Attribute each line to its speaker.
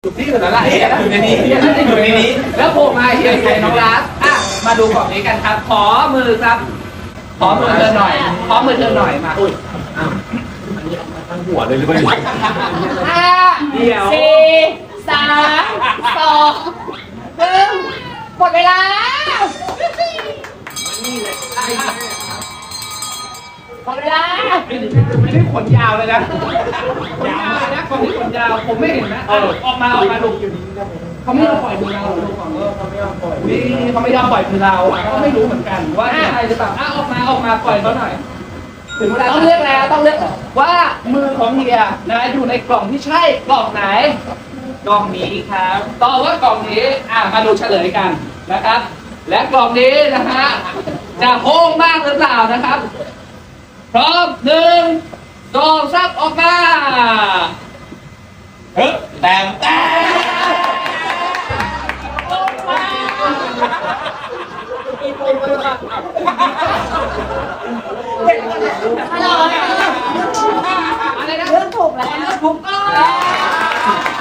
Speaker 1: อยู่ที่อื่นแล้วล่ะอยู่ในนี้น่าจะอยู่ในนี้แล้วโผล่มาเฮียใครน้องรักมาดูกล่องนี้กันครับขอมือครับขอมือเธอหน่อยขอมือเธอหน่อยมา
Speaker 2: ทั้งหัวเลยหรือเปล่า
Speaker 3: 5 4 3 2 1หมดเวลาหมดเวลา
Speaker 1: ไม่ได้ขนยาวเลยนะขนยาวนะกล่องนี้ขนยาวผมไม่เห็นนะออกมาดูเขาไม่ยอมปล่อยมือเราดูก่อนเขาไม่ยอมปล่อยนี่เขาไม่ยอมปล่อยมือเราก็ไม่รู้เหมือนกันว่าใครจะตามออกมาปล่อยเขาหน่อยถึงเวลาต้องเลือกแล้วต้องเลือกว่ามือของเฮียนะอยู่ในกล่องที่ใช่กล่องไหนกล่องนี้ครับตอบว่ากล่องนี้มาดูเฉลยกันนะครับและกล่องนี้นะฮะจะโค้งมากหรือเปล่านะครับพร้อม1 2 3ออกมา
Speaker 2: แต่
Speaker 3: อะไรนะเลือกถูกแล้ว
Speaker 1: ถูกต้อง